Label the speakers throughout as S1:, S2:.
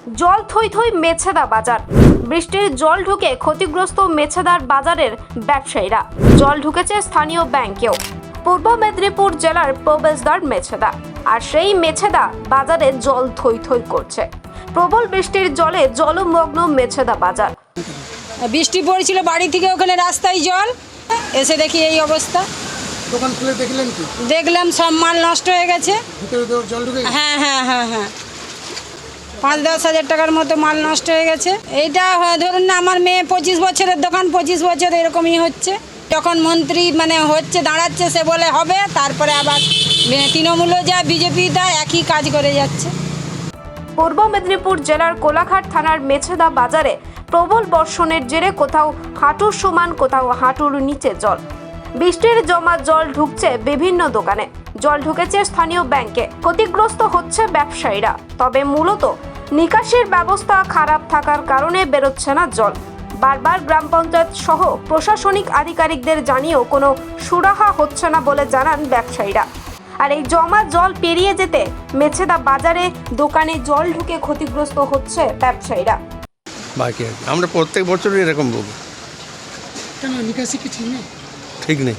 S1: জল থই থই মেছেদা বাজার। বৃষ্টির জল ঢুকে ক্ষতিগ্রস্ত মেছেদার বাজারের ব্যবসায়ীরা। জল ঢুকেছে স্থানীয় ব্যাংকেও। পূর্ব মেদিনীপুর জেলার প্রবেশদ্বার মেছেদা, আর সেই মেছেদা বাজারে জল থই থই করছে। প্রবল বৃষ্টির জলে জলমগ্ন মেছেদা বাজার।
S2: বৃষ্টি পড়ছিল, বাড়ি থেকে ওখানে রাস্তায় জল, এসে দেখি এই অবস্থা।
S3: দোকান খুলে দেখলেন কি?
S2: দেখলাম সব মাল নষ্ট হয়ে গেছে।
S3: ভিতরে তো জল ঢুকে গেছে?
S2: হ্যাঁ 5-10 হাজার টাকার মতো মাল নষ্ট হয়ে গেছে। এইটা ধরুন না, আমার মেয়ে 25 বছরের দোকান, 25 বছর এরকমই হচ্ছে। যখন মন্ত্রী হচ্ছে দাঁড়াচ্ছে, সে বলে হবে, তারপরে আবার তৃণমূলও যা বিজেপি তা একই কাজ করে যাচ্ছে।
S1: পূর্ব মেদিনীপুর জেলার কোলাঘাট থানার মেছেদা বাজারে প্রবল বর্ষণের জেরে কোথাও হাঁটুর সমান, কোথাও হাঁটুর নিচে জল। বৃষ্টির জমা জল ঢুকছে বিভিন্ন দোকানে। জল ঢুকেছে স্থানীয় ব্যাংকে। ক্ষতিগ্রস্ত হচ্ছে ব্যবসায়ীরা। তবে মূলত নিকাশির ব্যবস্থা খারাপ থাকার কারণে বেরোচ্ছে না জল। বারবার গ্রাম পঞ্চায়েত সহ প্রশাসনিক আধিকারিকদের জানিয়েও কোনো সুরাহা হচ্ছে না বলে জানান ব্যবসায়ীরা। আর এই জমা জল পেরিয়ে যেতে মেছেদা বাজারে দোকানে জল ঢুকে ক্ষতিগ্রস্ত হচ্ছে ব্যবসায়ীরা।
S4: বাকি আমরা প্রত্যেক বছরই এরকম ভুগি।
S3: কেন নিকাশি কি ঠিক নেই?
S4: ঠিক নেই।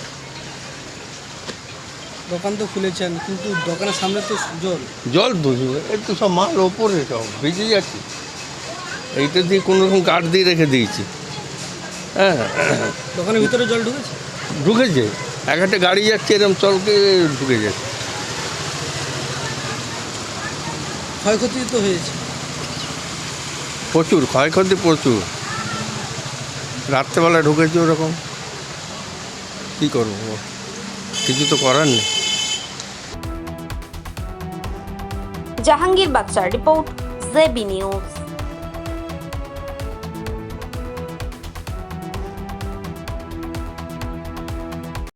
S5: দোকান তো খুলেছেন, কিন্তু দোকানের সামনে তো
S4: জল বুঝবে, একটু সব মাল ওপরে সব ভিজে যাচ্ছে। এইটা দিয়ে কোনো রকম কাঠ দিয়ে রেখে দিয়েছি। হ্যাঁ,
S5: দোকানের ভিতরে জল ঢুকেছে।
S4: ঢুকেছে। এক একটা গাড়ি যাচ্ছে, এরকম চলকে ঢুকে যাচ্ছে।
S5: ক্ষয়ক্ষতি তো হয়েছে
S4: প্রচুর ক্ষয়ক্ষতি, প্রচুর। রাত্রেবেলা ঢুকেছে ওরকম, কী করবো, কিছু তো করার নেই।
S1: জাহাঙ্গীর বাচ্চার রিপোর্ট, জেবি নিউজ।